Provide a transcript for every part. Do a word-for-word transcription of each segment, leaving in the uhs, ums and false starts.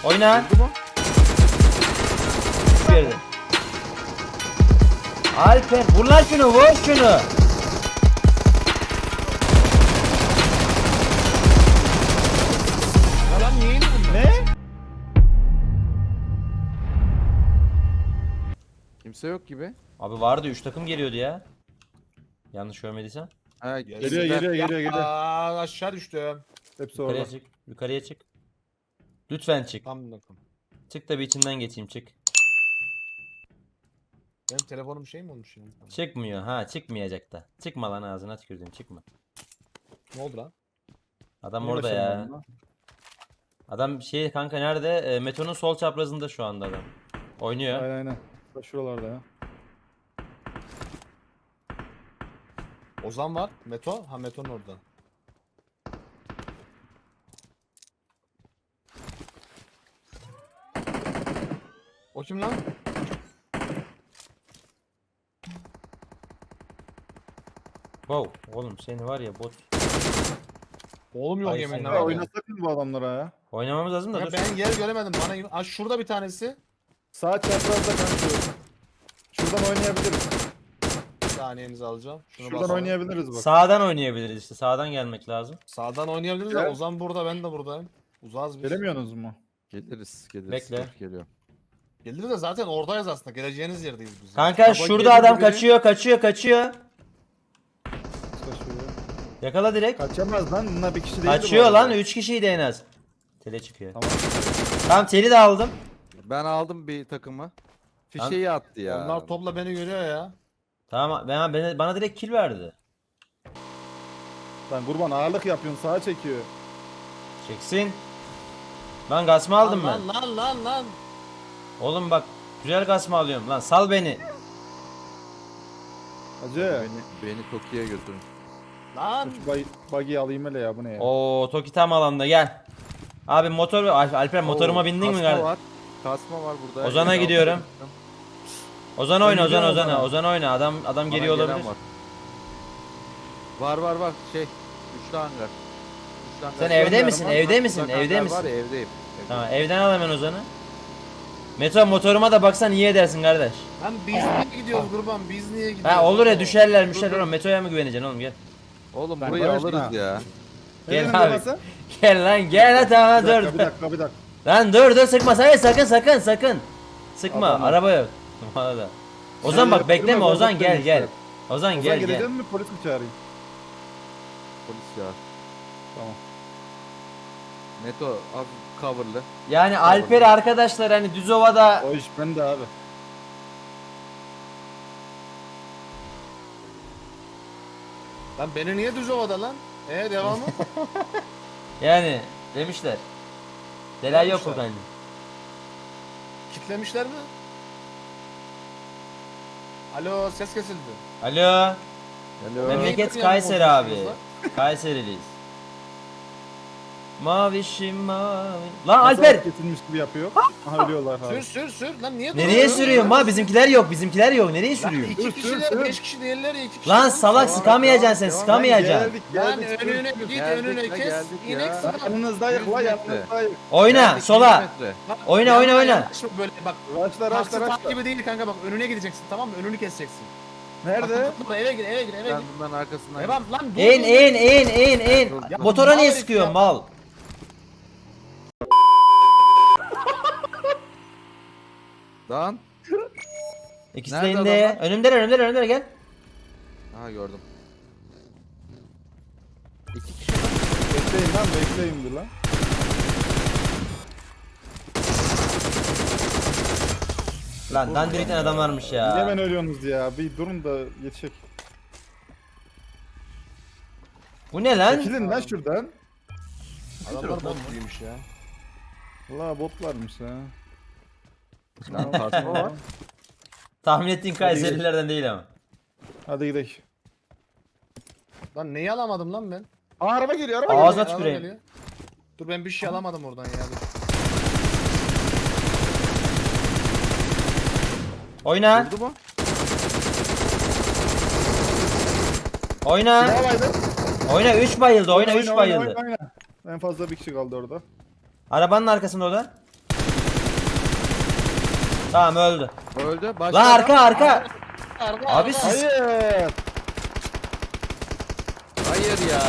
Oyna. Vurdu mu? Yerde. Alper vur lan şunu, vur şunu. Ya lan niye indi bunlar? Ne? Kimse yok gibi. Abi vardı, üç takım geliyordu ya. Yanlış görmediysem. Ha, Geliyor geliyor, geliyor geliyor geliyor. Aa aşağı düştüm. Hepsi Yukarıya orada. çık. Yukarıya çık. Lütfen çık. Tam bakın. Çık da bir içinden geçeyim, çık. Benim telefonum şey mi olmuş şimdi? Çıkmıyor ha, çıkmayacak da. Çıkma lan, ağzına tükürdüm, çıkma. Ne oldu lan? Adam Niye orada ya. başaramadım lan? Adam şey kanka nerede? E, Meto'nun sol çaprazında şu anda adam. Oynuyor. Aynen aynen. Bak şuralarda ya. Ozan var. Meto. Ha Meto'nun orada. O kim lan? Wow, oğlum seni var ya bot. Oğlum yok Ay, yeminle sen- Ya var ya. oynasak mı bu adamlara ya? Oynamamız lazım da Ya dur. ben yer göremedim. Bana Aa, şurada bir tanesi. Sağ çaprazda kanka. Şuradan oynayabiliriz. Bir saniyenizi alacağım. Şunu Şuradan basalım. oynayabiliriz bak. Sağdan oynayabiliriz işte. Sağdan gelmek lazım. Sağdan oynayabiliriz Gel. de Ozan burada, ben de buradayım. Uzağız biz. Gelemiyorsunuz mu? Geliriz, geliriz. Bekle. Dur, geliyor. Gelir de zaten oradayız aslında. Geleceğiniz yerdeyiz biz. Kanka Baba şurada geliyor adam biri. kaçıyor, kaçıyor, kaçıyor. Kaçıyor. Yakala direkt. Kaçamaz lan. Bunlar bir kişi değil. Kaçıyor lan, üç kişiydi en az. Tele çıkıyor. Tamam. Tamam, teli de aldım. Ben aldım bir takımı. Fişeyi attı ya. Onlar topla beni görüyor ya. Tamam, ben, bana, bana direkt kill verdi. Lan kurban ağırlık yapıyorsun. Sağa çekiyor. Çeksin. Lan gasma aldım ben. lan, Lan lan lan lan. Oğlum bak, güzel gasma alıyorum lan, sal beni. Hacı. Beni, beni Tokyo'ya götürün. Lan. Şu bug- buggy'i alayım hele ya, bu ne ya? Oo, Toki tam alanda, gel. Abi motor, Al- Alper motoruma Oo, bindin mi kasma kardeşim? var. Kasma var burada. Ozan'a elli altı gidiyorum. yaptım. Ozan oyna, Ben Ozan gidiyorum Ozan'a, Ozan'a. Ozan oyna. Adam adam Bana geliyor gelen olabilir. Var. var var var şey. Üçlü hangar. Üçlü hangar. Sen Üçlü evde hangarım misin? var. Evde Uzak misin? hangar Evde Var misin? ya, evdeyim. evdeyim. Tamam, evden al hemen Ozan'ı. Meto motoruma da baksan iyi edersin kardeş. Lan biz niye gidiyoruz kurban? Biz niye gidiyoruz? Ha olur ya, oğlum? düşerler Dur, müşerler dur. oğlum. Meto'ya mı güveneceksin oğlum, gel. Oğlum Ben burayı barıştım alırız ha. ya. Gel Nereden abi. burası? Gel lan, gel hadi tamam, Bir dakika, dur. bir dakika, bir dakika. Lan dur dur, sıkma, hayır sakın sakın sakın. Sıkma, Adamlar. araba yok. Valla. Ozan bak, Ya, bekleme yürüme, Ozan, bak, gel bekle gel. işte. Ozan Ozan gel gelecek gel. mi, polis mi çağırayım? Polis ya. Tamam. Neto abi coverlı. Yani Alper arkadaşlar, hani Düzova'da O iş bende abi. Lan beni niye düz ovada lan? Ee devamı? yani demişler. Delay yok Demişler. bu bende. Kitlemişler mi? Alo ses kesildi. Alo. Alo. Memleket Memleket Kayseri yani abi. konuşuyorsunuz Kayseriliyiz. Mavişim mavi. Lan Nasıl Alper. kesilmiş gibi yapıyor. Aha ölüyorlar Sür abi. sür sür lan niye Nereye duruyorsun? sürüyorsun ma? Bizimkiler yok. Bizimkiler yok. Nereye Lan sürüyorsun? iki Sür, kişiler, sür, sür. beş kişi değiller ya iki kişi. Lan lan. salak, Devam et, sıkamayacaksın sen, devam et. sıkamayacaksın. Geldik, Lan geldik. önüne git Geldik önüne la, kes. geldik ya. İnek Lan sana. yanınızdayız la, yüz yanınızdayız. Oyna Geldik, sola. yüz metre. Bak, Oyna, yanına oyna, oyna. yanaşma Böyle bak. Raşla Taksi raşla tak raşla. gibi değil kanka, bak önüne gideceksin, tamam mı? Önünü keseceksin. Nerede? Bak, eve gir eve gir eve Ben gir. bunların arkasından Devam lan dur. En dur, en dur. en en en. Ya, Motora niye mal sıkıyorsun ya. mal? Lan. İkisi de Nerede indi. adamlar? Önümdeler önümdeler önümdeler, gel. Aha gördüm. İki kişi. Bekleyin lan, bekleyin dur lan. Lan dandirikten adam varmış Niye ya. ben ölüyorsunuz ya? Bir durun da yetişek. Bu ne lan? Çekilin lan şuradan. Adamlar bot gibiymiş ya. Valla bot varmış ha. Lan kasma var. Tahmin ettiğin Kayserilerden değil ama. Hadi gidelim. Lan neyi alamadım lan ben? Aa, araba geliyor, araba Ağzına geliyor. tüküreyim. geliyor. Dur ben bir şey alamadım oradan ya. Dur. Oyna. Vurdu mu? Oyna. Silah vardı. Oyna, üç bayıldı. Oyna, üç oyna, bayıldı. oyna, oyna. En fazla bir kişi kaldı orada. Arabanın arkasında o da. Tamam öldü. Öldü. Başka Lan adam. arka arka. Arka, Abi arka. siz- Hayır. Hayır ya.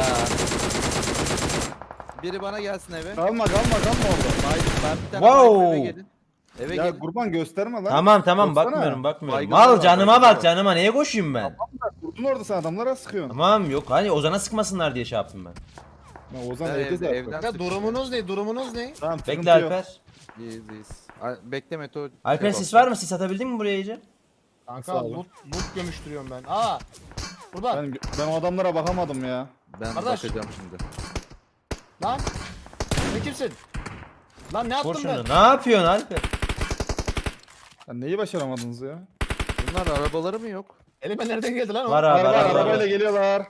Biri bana gelsin eve. Kalma kalma kalma orada. Hayır ben bir tane Wow. wow. eve gelin. Eve Ya gelin. kurban gösterme lan. Tamam tamam Baksana. bakmıyorum bakmıyorum. Baygınlar Mal var, canıma baygınlar bak var. canıma neye koşayım ben? Durdun orada sen adamlara sıkıyorsun. Tamam yok hani Ozan'a sıkmasınlar diye şey yaptım ben. Ya Ozan Ben evde evde- zaten. evden- Kanka durumunuz ne? Durumunuz ne? Tamam sıkıntı Bekle yok. Alper. İyiyiz iyiyiz. Al- Bekle Meto. Alper şey sis var mı? Sis atabildin mi buraya iyice? Kanka Sağ olun. loot, loot gömüştürüyorum ben. Aa. Burada. Ben, ben o adamlara bakamadım ya. Ben Kardeş. bakacağım şimdi. Lan. Sen kimsin? Lan ne Vur yaptım ben? şunu. Ne yapıyorsun Alper? Ya neyi başaramadınız ya? Bunlar arabaları mı yok? Elime nereden geldi lan o? Var abi Araba, araba. arabayla geliyorlar.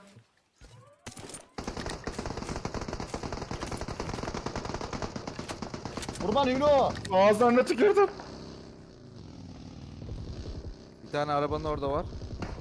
Kurban Hülo. Ağızlarına tükürdüm. Bir tane arabanın orada var.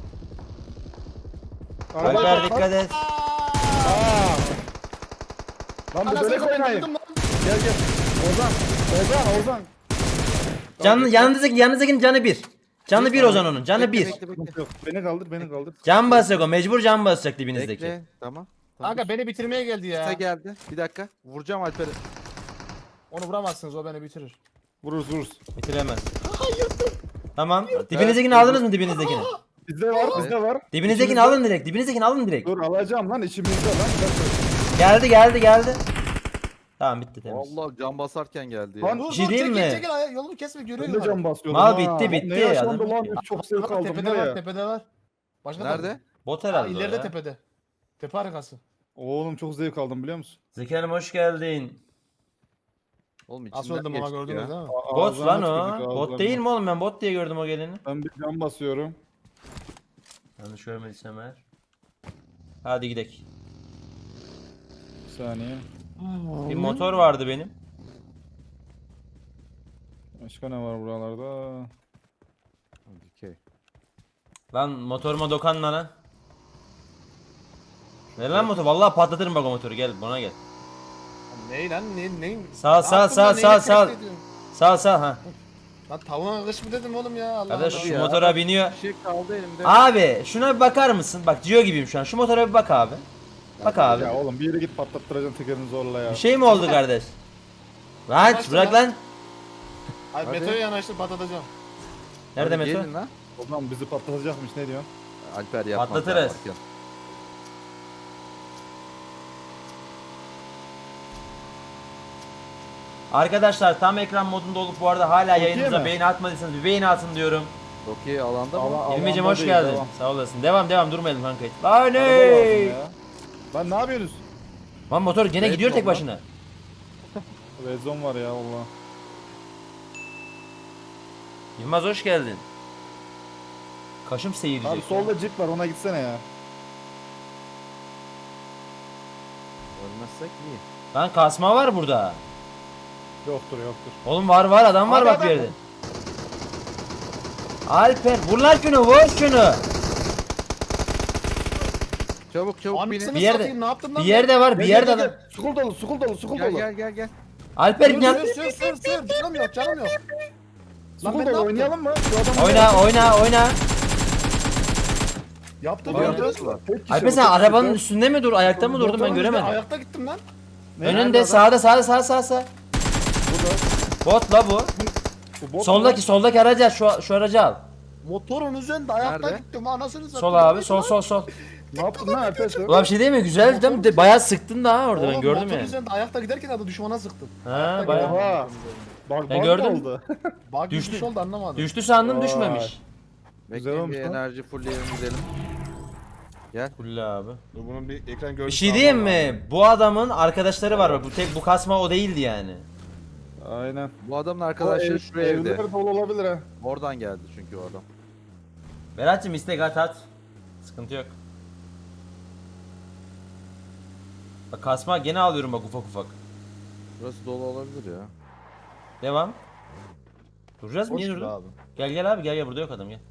Araba- Alper dikkat et. Aa. Lan bir Anasını böyle satayım, oynayın. vurdum lan. Gel gel. Ozan. Ozan Ozan. Can, yanınızdaki, yanınızdakinin canı bir. Canı bir Ozan onun. Canı Bekle, bir. bekle, bekle. Sıkıntı yok. Beni kaldır beni kaldır. Can basacak o. Mecbur can basacak dibinizdeki. Bekle. Tamam. Tamam. Kanka beni bitirmeye geldi ya. Kısa geldi. Bir dakika. Vuracağım Alper'i. Onu vuramazsınız, o beni bitirir. Vururuz vururuz. Bitiremez. Tamam. Dibinizdekini aldınız mı dibinizdekini? Bizde var bizde var. Dibinizdekini İçimizde- alın direkt. Dibinizdekini alın direkt. Dur alacağım lan içimizde lan. Geldi geldi geldi. Tamam bitti temiz. Allah can basarken geldi ya. Lan Dur Bir şey dur diyeyim çekil mi? çekil ay- yolumu kesme görüyor Ben de musun? can basıyorum. Mal ha. bitti, bitti. Ne yaşandı Adam- lan? Çok zevk Bak, aldım tepede var var ya. tepede var. Başka Nerede? tarafta. Bot Aa, herhalde o ileride ya. tepede. Tepe arkası. Oğlum çok zevk aldım biliyor musun? Zeki Hanım hoş geldin. Oğlum Nasıl içinden öldüm ama geçtik gördünüz ya. değil mi? A- Bot ağızlarına lan tükürdük, o. Bot ağızlarına. değil mi oğlum? Ben bot diye gördüm o geleni. Ben bir can basıyorum. Yanlış görmediysem eğer. Hadi gidelim. Bir saniye. Bir motor vardı benim. Başka ne var buralarda? Dikey. Lan motoruma dokanma lan. Ver lan motor. Vallahi patlatırım bak o motoru. Gel bana gel. Ney lan ne ne? Sağ, Ne sağ, yaptın sağ, lan, sağ, neyini sağ. test ediyorsun? Sağ sağ ha. Lan tavuğuna kış mı dedim oğlum ya Allah Kardeş Allah. şu ya. motora biniyor. Bir şey kaldı elimde. Abi şuna bir bakar mısın? Bak diyor gibiyim şu an. Şu motora bir bak abi. Bak abi. Ya oğlum bir yere git patlattıracaksın tekerini zorla ya. Bir şey mi oldu kardeş? Lan Yanaştır bırak lan. lan. Ay Hadi. Meto'ya yanaştır patlatacağım. Nerede Hadi Meto? gelin lan. Oğlum bizi patlatacakmış ne diyorsun? Alper yapmaz. Patlatırız. ya, bak Arkadaşlar tam ekran modunda olup bu arada hala Okey yayınımıza mi? beğeni atmadıysanız bir beğeni atın diyorum. ya. Okey alanda mı? Allah- İlmicim Alanda hoş değil, geldin. devam. Sağ olasın. Devam devam durmayalım kanka. Lan Araba lazım ne? ya. Lan ne yapıyorsunuz? Lan motor gene Red gidiyor tek zone lan. başına. Red zone var ya valla. Yılmaz hoş geldin. Kaşım seyirci. Abi solda jeep var ona gitsene ya. Ölmezsek iyi. Lan kasma var burada. Yoktur yoktur. Oğlum var var adam var Abi bak adam- bir yerde. Alper vur lan şunu vur şunu. Çabuk çabuk binin. Anasını Bir yerde- satayım ne yaptın lan? Bir yerde var bir Gel, yerde gel, adam. gel. Sukul dolu sukul dolu sukul Gel dolu. gel gel gel. Alper Sür yan. sür sür sür sür. Canım yok canım yok. Lan Sukul ben ne dolu yaptım? oynayalım mı? Şu adamı Oyna oyna oyna. Yaptım Oyna. ya. Tek kişi, Alper bu sen tek arabanın kişi. üstünde mi dur ayakta mı durdun ben Motorun göremedim. üstüne Ayakta gittim lan. Ne? Önünde Nerede adam? sağda sağda sağ sağ sağ. Burada. Bot la bu. Bu bot Soldaki mu? soldaki aracı al şu, şu aracı al. Motorun üzerinde ayakta Nerede? gittim anasını satayım. Sol abi sol sol sol. Ne yaptın lan Alper sen? Ulan bir şey değil mi? Güzel değil mi? De- Bayağı sıktın da ha orada ben Oğlum, gördüm motorun yani. üzerinde ayakta giderken adı düşmana sıktım. Ha Ayakta bayağı. giderken Oha. motorun üzerinde. Bak Ben bak gördüm. oldu. Bak Düştü. düşmüş oldu anlamadım. Düştü sandım Vay. düşmemiş. Güzel Bekleyin olmuş bir lan. enerji fullleyelim gidelim. Gel. Kulle abi. Dur bunun bir ekran Bir görüntüsü şey diyeyim mi? Bu adamın arkadaşları var bak. Bu tek bu kasma o değildi yani. Aynen. Bu adamın O arkadaşları ev- şuraya evde. Evler dolu olabilir ha. Oradan geldi çünkü o adam. Berat'cığım istek at at. Sıkıntı yok. Bak kasma gene alıyorum bak ufak ufak. Burası dolu olabilir ya. Devam. Duracağız mı? Boş Niye gibi durdun? abi. Gel gel abi gel gel burada yok adam gel.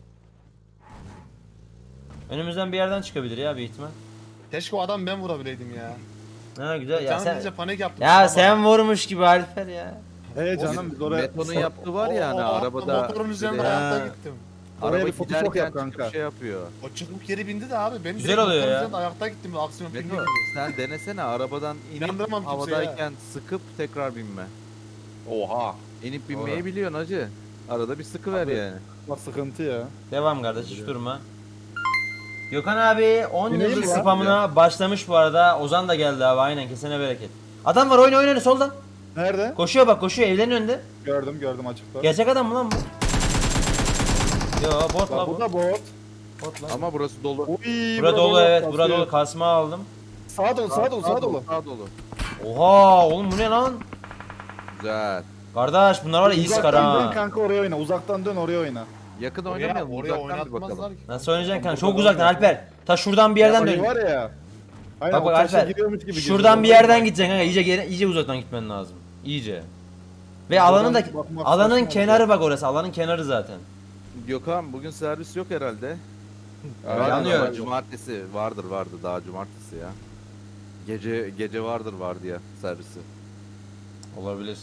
Önümüzden bir yerden çıkabilir ya bir ihtimal. Keşke o adam ben vurabileydim ya. Ha güzel ya Canım sen. deyince panik yaptım. Ya Ama- sen vurmuş gibi Alper ya. He canım biz oraya... Meto'nun yaptığı var ya hani O- o- arabada. Motorun üzerinde bir de- ayakta Ha. gittim. Oraya Araba bir Photoshop giderken yap kanka. çıkıp şey yapıyor. O çıkıp geri bindi de abi. Benim Güzel direkt oluyor motorun ya. üzerinde ayakta gittim. Aksiyon filmi Meto gibi. sen denesene arabadan inip İnandıramam kimseye havadayken sıkıp tekrar binme. Oha. İnip binmeyi Doğru. biliyorsun hacı. Arada bir sıkı ver Abi. yani. Bak sıkıntı ya. Devam kardeş hiç durma. Gökhan abi on Bineyim yıldız mi lan? spamına başlamış bu arada. Ozan da geldi abi aynen kesene bereket. Adam var oyna oyna solda. Nerede? Koşuyor bak koşuyor evlerin önünde. Gördüm gördüm açıkta. Gerçek adam mı lan bu? Yo bot la Bak bu. bu da bot. Bot la. Ama burası dolu. Uy, Bura dolu evet kasıyor. bura dolu kasma aldım. Sağa dolu sağa dolu sağa dolu. Sağ dolu. Oha oğlum bu ne lan? Güzel. Kardeş bunlar var ya iyi sıkar Uzaktan dön ha. kanka oraya oyna. Uzaktan dön oraya oyna. Yakın Oraya, oynamayalım. oraya Uzaktan bir oynatmazlar bakalım. ki. Nasıl oynayacaksın kanka? Burada Çok uzaktan oyna. Alper. Ta şuradan bir yerden Orayı dön. var ya. Aynen Bak bak o taşa Alper. giriyormuş gibi. Şuradan bir giriyor. yerden gideceksin kanka. İyice geri- iyice uzaktan gitmen lazım. İyice. Ve Buradan alanın da bakmak alanın saçma kenarı bak orası. Alanın kenarı zaten. Gökhan bugün servis yok herhalde. Aynen, Vardır yanıyor. ama Cumartesi vardır vardı daha cumartesi ya. Gece gece vardır vardı ya servisi. Olabilir.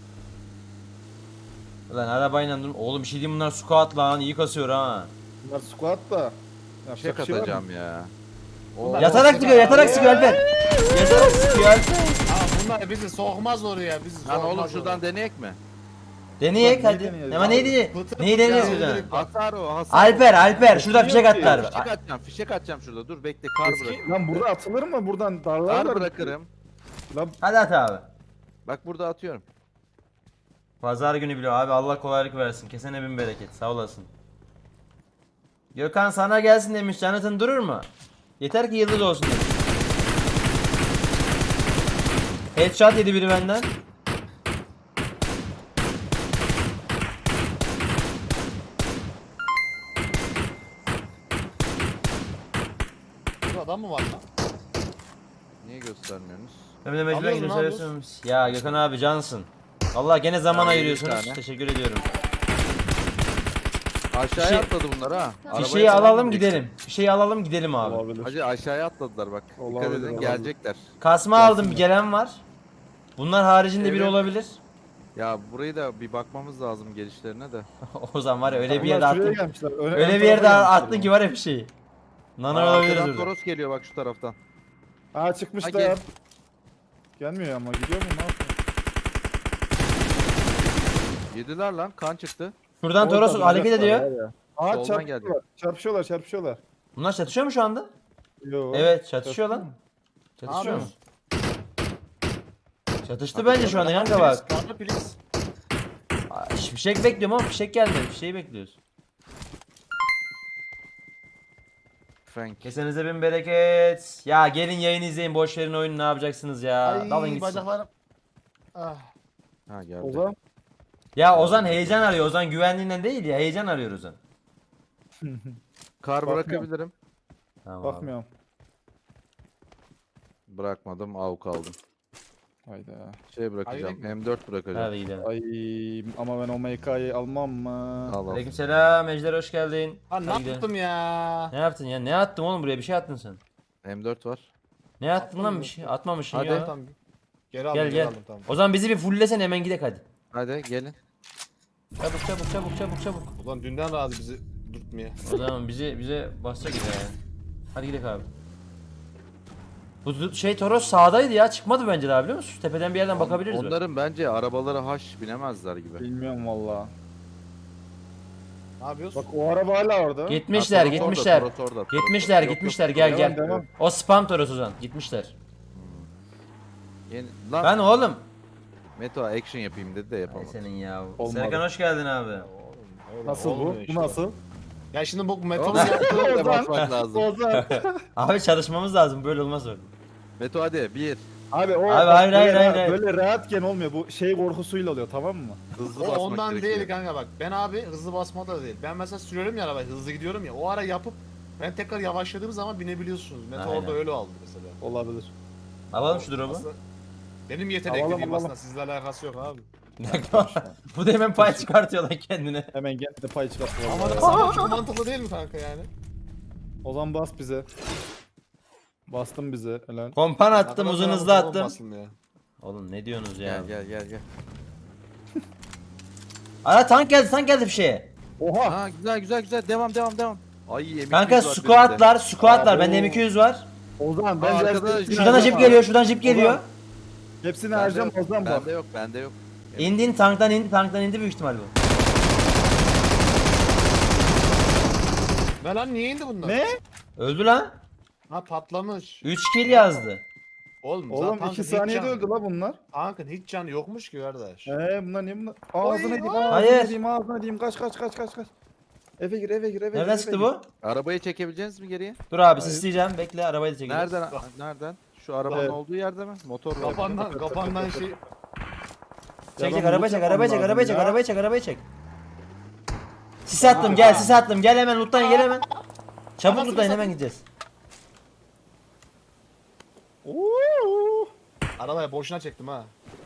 Ulan arabayla dur. Oğlum bir şey diyeyim bunlar squat lan iyi kasıyor ha. Bunlar squat da. Şey Yapacak bir şey var mı? katacağım ya. O Bunlar- Yatarak sıkıyor, yatarak sıkıyor Alper. Yatarak sıkıyor Alper. Ha bunlar bizi sokmaz oraya. Bizi Lan sokmaz oğlum şuradan oraya. deneyek mi? Deneyek Neyi hadi. deneyelim? Ama neyi deneyek? Pıtır Neyi pıtır deneyeceğiz ya, buradan? direkt- Hasar o hasar. Alper, Alper şurada Yok fişek ki. atlar. Fişek atacağım fişek atacağım şurada dur bekle kar bırak. Eski- Lan burada atılır mı? Buradan Kar darlarlar. bırakırım. Lan Hadi at abi. Bak burada atıyorum. Pazar günü biliyor abi Allah kolaylık versin. Kesene bin bereket sağ olasın. Gökhan sana gelsin demiş Jonathan durur mu? Yeter ki yıldız olsun demiş. Headshot yedi biri benden. Burada adam mı var lan? Niye göstermiyorsunuz? Ömrüne mecburen Alıyoruz, gidiyor ne söylüyorsunuz. Ya Gökhan abi cansın. Allah gene zaman Ya, ayırıyorsunuz. bir tane. Teşekkür ediyorum. Aşağıya Fişe- atladı bunlar ha. Arabaya Fişeği falan alalım gidecek. gidelim. Fişeği alalım gidelim abi. olabilir. Hacı aşağıya atladılar bak. Dikkat Olabilir, edin olabilir. gelecekler. Kasma aldım bir gelen var. Bunlar haricinde biri Evet. olabilir. Ya burayı da bir bakmamız lazım gelişlerine de. O zaman var ya öyle bir Bunlar yerde şuraya attın. gelmişler. Öne- Öyle ön bir yerde tarafa attın gelmişler ki var ya fişeği. Nana Aa, olabilir arkadan orada. Toros geliyor bak şu taraftan. bunlar. Aa çıkmışlar. Ha, gel. Gelmiyor ama gidiyor mu ne yapıyor? Yediler lan kan çıktı. Şuradan Toros Orada hareket uzaklar ediyor. var ya. Aa Soldan çarpışıyorlar. Çarpışıyorlar çarpışıyorlar. Bunlar çatışıyor mu şu anda? Yo. Evet çatışıyor lan. Ne Çatışıyor mu? yapıyorsun? Çatıştı bence şu anda kanka bak. Karnı piliz. Aa, Fişek bekliyorum ama fişek gelmedi. Fişeği bekliyoruz. Frank. Kesenize bin bereket. Ya gelin yayın izleyin boş verin oyunu ne yapacaksınız ya. Dalın Ay gitsin. bacaklarım. Ah. Ha geldi. Ozan. Ya Ozan heyecan arıyor. Ozan güvenliğinden değil ya heyecan arıyor Ozan. Kar Bakmıyorum. bırakabilirim. Tamam abi. Bakmıyorum. Bırakmadım avuk aldım. Hayda. Şey bırakacağım. Hayır. M dört bırakacağım. Hadi gidelim. Ay ama ben o M K'yı almam mı? Al al. Aleykümselam Ejder hoş geldin. Ha ne Hadi gidelim. yaptım ya? Ne yaptın ya? Ne attın oğlum buraya bir şey attın sen. M dört var. Ne attın Attım lan mı? bir şey? Atmamışsın Hadi. ya. Tamam. Geri aldım Gel geri gel. aldım tamam. O zaman bizi bir fulllesen hemen gidek hadi. Hadi gelin. Çabuk çabuk çabuk çabuk çabuk. Ulan dünden razı bizi dürtmeye. O zaman bizi bize basacak ya. Hadi gidelim abi. Bu bu şey Toros sağdaydı ya çıkmadı bence daha biliyor musun? Şu tepeden bir yerden bakabiliriz bak. Onların bence arabaları haş binemezler gibi. Bilmiyorum valla. Ne yapıyorsun? Bak o araba hala orada. Gitmişler Ha, Toros gitmişler. orada, Toros orada, Toros Gitmişler orada. Yok, gitmişler yok, gel devam, gel. devam. O spam Toros Ozan gitmişler. Yeni... Lan Ben oğlum. Meto action yapayım dedi de Ay yapamadı. senin ya. Olmadı. Serkan hoş geldin abi. Öyle Nasıl bu? olmuyor Bu işte. nasıl? Ya şimdi bu metal Oğlum, yaptığım de basmak lazım. Ozan. Abi çalışmamız lazım böyle olmaz öyle. Meto hadi bir. Abi o Abi, bak hayır, böyle, hayır, hayır, rahat- hayır. böyle rahatken olmuyor. Bu şey korkusuyla oluyor tamam mı? Hızlı O basmak ondan gerekiyor. değil kanka bak. Ben abi hızlı basma da değil. Ben mesela sürüyorum ya arabayı hızlı gidiyorum ya. O ara yapıp ben tekrar yavaşladığım zaman binebiliyorsunuz. Metal Aynen. orada öyle aldı mesela. Olabilir. Alalım şu drop'u. Aslında benim yetenekli Alalım, diyeyim alalım. aslında sizle alakası yok abi. Bu da hemen pay çıkartıyor lan kendine. Hemen gel de pay çıkart. Ama vallahi. sana çok mantıklı değil mi kanka yani? Ozan bas bize. Bastın bize helal. Kompan attım Arkadaşlar, uzun hızlı motorum attım. basılmıyor. Oğlum ne diyorsunuz ya? Gel gel gel gel. Ara tank geldi tank geldi bir şeye. Oha. Ha güzel güzel güzel devam devam devam. Ay yemin Kanka squatlar squatlar bende M iki yüz var. Ozan Aa, ben arkada- hepsini Şuradan da jip harcam geliyor şuradan jip geliyor. Ozan. Hepsini harcam Ozan bak. Bende yok bende yok. İndin tanktan indi tanktan indi büyük ihtimal bu. Ne lan niye indi bunlar? Ne? Öldü lan. Ha patlamış. üç kill yazdı. Oğlum, Oğlum zaten iki hiç saniyede can- öldü la bunlar. Tankın hiç canı yokmuş ki kardeş. Eee bunlar niye bunlar? Ağzına diyeyim Oy, ağzına Hayır. diyeyim ağzına diyeyim kaç kaç kaç kaç kaç. Eve gir eve gir eve gir. Nereden eve çıktı gir. bu? Arabayı çekebileceğiz mi geriye? Dur abi sisleyeceğim bekle arabayı da çekeceğiz. Nereden? Nereden? Şu arabanın Evet. olduğu yerde mi? Motor var. Kafandan kafandan şey. Çek Ya çek ben arabayı çek loot arabayı çek yapmam arabayı çek lazım ya. arabayı çek arabayı çek. Sis attım gel sis attım gel hemen lootlayın gel hemen. Çabuk Nasıl lootlayın sis hemen attın? gideceğiz. Oo. Arabaya boşuna çektim ha.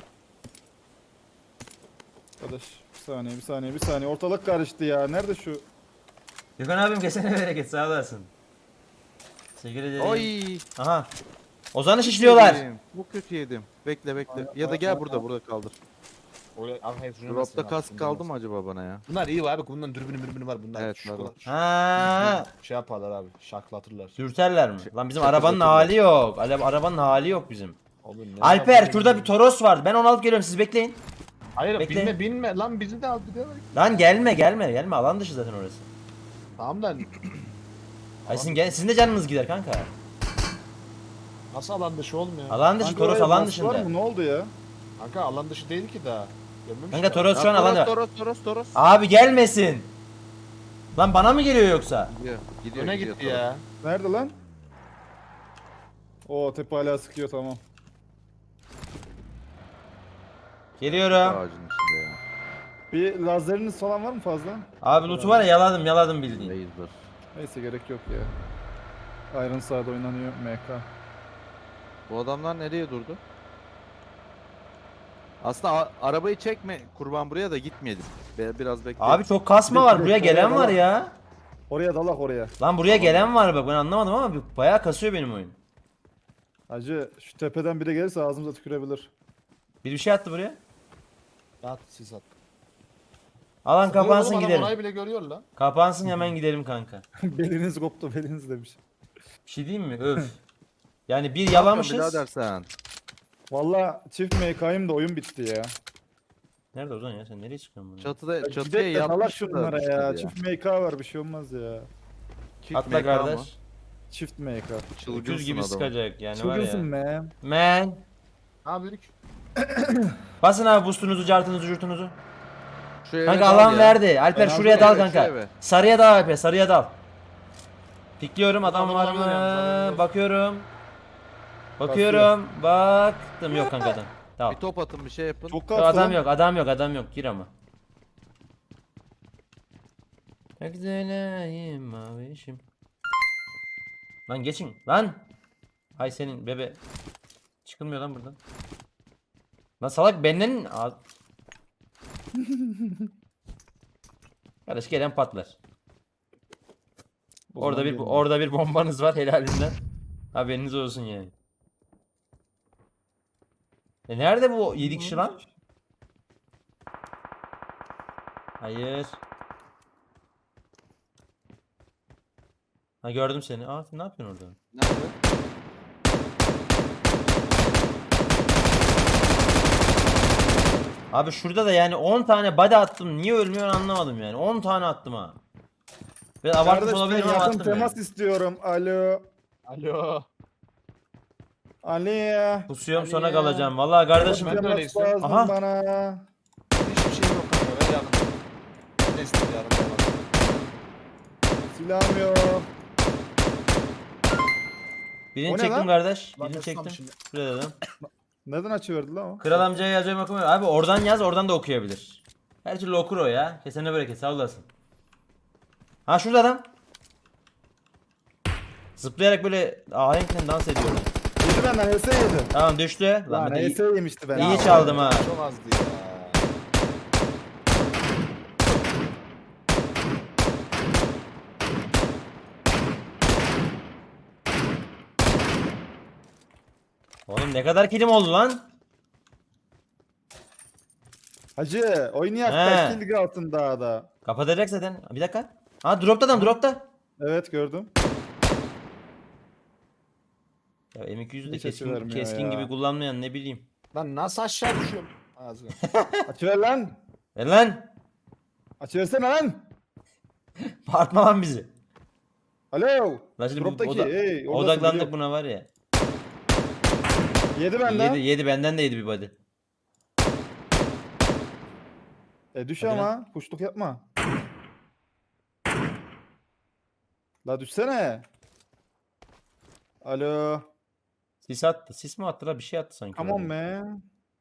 Arkadaş bir saniye bir saniye bir saniye ortalık karıştı ya. Nerede şu? Gökhan abim kesene bereket sağ olasın. Teşekkür ederim. Oy. Aha. Ozan'ı şişliyorlar. Yedim. Bu kötü yedim. Bekle bekle. Ya da gel burada burada kaldır. Oraya arkaya sürünemezsin Dropta abi, kask kaldı sürünemezsin. mı acaba bana ya? Bunlar iyi var abi. Bunların dürbünü mürbünü var. Bunlar Evet, şu var, kadar- var. şu- Ha. şey yaparlar abi. Şaklatırlar. Dürterler mi? Lan bizim Çakı arabanın çakı hali yok. Ale- Arabanın hali yok bizim. Oğlum, ne Alper yapayım şurada ya? bir Toros vardı. Ben onu alıp geliyorum siz bekleyin. Hayır Bekle. binme binme lan bizi de al bir de. Lan gelme gelme gelme alan dışı zaten orası. Tamam da Ay sizin, gel- sizin de canınız gider kanka. nasıl alan dışı olmuyor? Alan dışı Kanka Toros oraya alan bas var dışında. mı? Ne oldu ya? Kanka alan dışı değil ki daha. Görmemiş Kanka ya. Toros şu an Ya, alan Toros Toros Toros. Abi gelmesin. Lan bana mı geliyor yoksa? Gidiyor. Gidiyor. Öne gidiyor gitti Toros. ya. Nerede lan? Oo tepe hala sıkıyor tamam. Geliyorum. Ağacın içinde ya. Bir lazeriniz falan var mı fazla? Abi loot'u var ya yaladım yaladım bildiğin. Laser. Neyse gerek yok ya. Iron Side oynanıyor M K. Bu adamlar nereye durdu? Aslında a- arabayı çekme kurban buraya da gitmeyelim. Be- biraz bekle. Abi çok kasma var buraya gelen var ya. Oraya dalak oraya. Lan buraya gelen var bak ben anlamadım ama bir- bayağı kasıyor benim oyun. Hacı şu tepeden biri gelirse ağzımıza tükürebilir. Bir bir şey attı buraya. At siz at. Alan kapansın Oğlum, adam gidelim. Orayı bile görüyor lan. Kapansın hemen gidelim kanka. beliniz koptu beliniz demiş. Bir şey diyeyim mi? Öf. Yani bir Yapma yalamışız. birader sen. Valla çift M K'yım da oyun bitti ya. Nerede Ozan ya sen nereye çıkıyorsun bunu? Çatıda çatıya Gidek de dalak yapmışlar şunlara işte ya. Çift M K var bir şey olmaz ya. Çift Atla M K mı? kardeş. Çift M K. Çılgınsın Öküz gibi adam. sıkacak yani var Çılgınsın ya. man. Man. Ha büyük. Basın abi boostunuzu, cartınızı, jurtunuzu. Şu eve Kanka dal alan ya. verdi. Alper Ben şuraya aldım dal eve, şu kanka. eve. Sarıya dal Alper, sarıya dal. Pikliyorum adam Adam var olabilir yalnız, haberiniz mı? olsun. Bakıyorum. Bakıyorum. Baktım yok kanka adam. Tamam. Bir top atın bir şey yapın. Çok Yok, kalktı adam lan. yok, adam yok, adam yok. Gir ama. Çok güzelim mavişim. Lan geçin lan. Hay senin bebe. Çıkılmıyor lan buradan. Lan salak benden A- Kardeş gelen patlar. O zaman Orada bir gelin. orada bir bombanız var helalinden. Haberiniz olsun yani. E nerede bu yedi kişi lan? Hayır. Ha gördüm seni. Aa sen ne yapıyorsun orada? Nerede? Abi şurada da yani on tane body attım. Niye ölmüyor anlamadım yani. on tane attım ha. Ve abartmış Kardeş ben olabilirim ama yakın attım temas yani. istiyorum. Alo. Alo. Ali. Pusuyorum Ali sonra ya. kalacağım. Vallahi kardeşim. Ben de öyle Temas istiyorum. lazım Aha. bana. Hiçbir şey yok kanka. Ver yardım. Ben de istedim yardım. yardım. Silahım yok. Birini O ne çektim lan? kardeş. Lan Birini Osman çektim. şimdi. Şuraya dedim. Neden açıverdi lan o? Kral amcaya yazıyorum okumuyor. Abi oradan yaz oradan da okuyabilir. Her türlü okur o ya. Kesene bereket sağ olasın. Ha şurada adam. Zıplayarak böyle ahenkle dans ediyor. Yedi benden H S yedi. Tamam düştü. Lan Lan ben de H iyi, S yemişti ben. iyi çaldım ha. Çok azdı ya. Oğlum ne kadar kilim oldu lan? Hacı oynayak He. da kill kalsın daha da. Kapatacak zaten. Bir dakika. Ha dropta adam dropta. Evet gördüm. Ya M iki yüzü de Hiç açı keskin, vermiyor keskin ya. gibi kullanmayan ne bileyim. Lan nasıl aşağı düşüyorum? Ağzına. Açıver lan. Ver lan. Açıversene lan. Bağırtma lan bizi. Alo. Lan şimdi bu Drop'taki. oda- Hey, oradasın, odaklandık biliyorum. buna var ya. Yedi benden. Yedi, yedi benden de yedi bir body. E düş Hadi ama. Kuşluk yapma. La düşsene. Alo. Sis attı. Sis mi attı la? Bir şey attı sanki. Come on orada. man.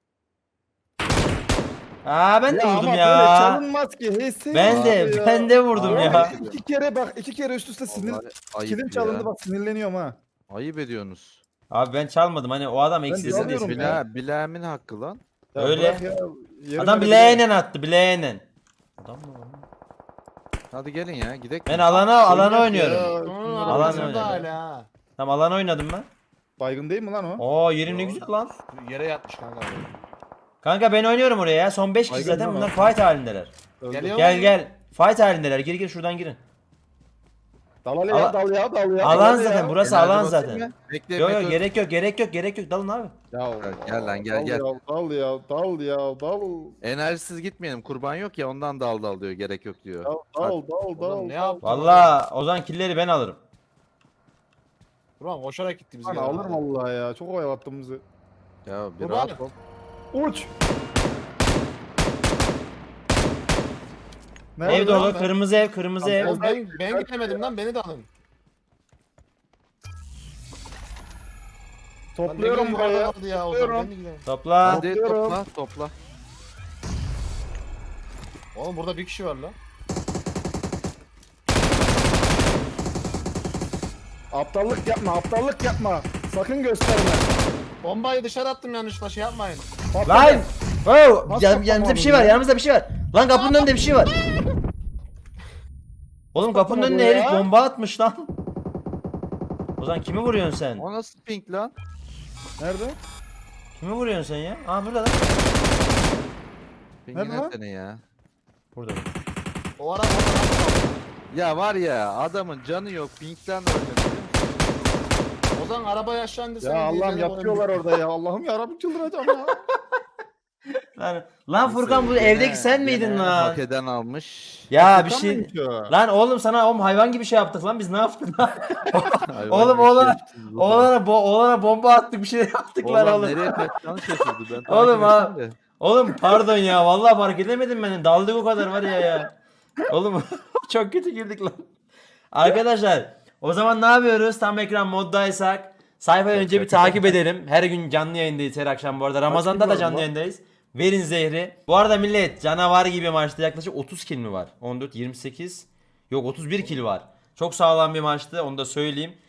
Aa ben de Ya vurdum ama ya. böyle çalınmaz ki. Hey, Ben de ya. ben de vurdum Abi, ya. İki kere bak iki kere üst üste sinir. Vallahi ayıp Kilim ya. çalındı bak sinirleniyorum ha. Ayıp ediyorsunuz. Abi ben çalmadım hani o adam eksilsin diye. çalıyorum sıkıntı. ya. Bila, bileğimin hakkı lan. Ya Öyle. bırak ya, yerim Adam öyle bileğenen attı bileğenen. Adam mı? lan? Hadi gelin ya gidelim. Ben alana alana Oynak ya. oynuyorum. Onun Alan arabasında oynadı. hala. Tamam alana oynadım ben. Baygın değil mi lan o? Oo yerim ne güzel lan. Yere yatmış kanka. Kanka ben oynuyorum oraya ya. Son beş kişi Baygın zaten mı bunlar lan? fight halindeler. Öldü. Geliyor. Gel gel. Fight halindeler. Gir gir şuradan girin. Dal ya Ala- dal ya dal ya. Alan dal ya. zaten burası Enerji alan basayım zaten. ya. Bekle Yok bekle. yok gerek yok gerek yok gerek yok dalın abi. Ya, Gel lan, gel, dal gel. Ya, dal ya dal ya dal. Enerjisiz gitmeyelim. Kurban yok ya ondan dal dal diyor. Gerek yok diyor. Dal dal dal dal. Oğlum ne yaptın? Valla o zaman killeri ben alırım. Ulan koşarak gitti biz Lan gene. alırım vallahi ya. Çok oyalattın bizi. Ya bir Kurban. rahat ol. Uç. Nerede Ev lan dolu ben? kırmızı ev kırmızı ev. Oğlum ben, ben gidemedim lan beni de alın. Lan Topluyorum ne buraya. buraya. Aldı ya, o zaman Topluyorum. ben de gidelim. Topla. Hadi Topluyorum. topla topla. Oğlum burada bir kişi var lan. Aptallık yapma, aptallık yapma. Sakın gösterme. Bombayı dışarı attım yanlışlıkla şey yapmayın. Patladı. Lan! Wow! Nasıl Yan, yanımızda bir şey var toplamadın ya? yanımızda bir şey var. Lan kapının önünde bir şey var. Oğlum kapının toplamadın önüne ya? herif bomba atmış lan. O zaman kimi vuruyorsun sen? O nasıl pink lan? Nerede? Kimi vuruyorsun sen ya? Aa burada lan. Pink Nerede lan? ne seni ya? Burada. O ara orada. Ya var ya adamın canı yok. Pink'ten ölmedi biliyor musun? O zaman arabaya aşağı indirsen. Ya Allah'ım yapıyorlar orada ya. Allah'ım ya Rabbim çıldıracağım ya. Lan, lan Furkan bu Gene- evdeki sen miydin gene lan? Hak eden almış. Ya bir Furkan şey... mıymış o? Lan oğlum sana oğlum hayvan gibi şey yaptık lan biz ne yaptık lan? Hayvan Oğlum gibi şey oğlana, yaptınız oğlum. oğlana, bo oğlana bomba attık bir şey yaptık lan Oğlan oğlum. nereye kaçacağını şaşırdı ben. takip Oğlum ha- ettim de. Oğlum pardon ya vallahi fark edemedim ben. Daldık o kadar var ya ya. Oğlum çok kötü girdik lan. Arkadaşlar o zaman ne yapıyoruz? Tam ekran moddaysak sayfayı önce bir takip edelim. Her gün canlı yayındayız her akşam bu arada. Ramazan'da da var canlı lan? yayındayız. Verin zehri. Bu arada millet canavar gibi maçta yaklaşık otuz kill mi var? on dört, yirmi sekiz. Yok otuz bir kill var. Çok sağlam bir maçtı onu da söyleyeyim.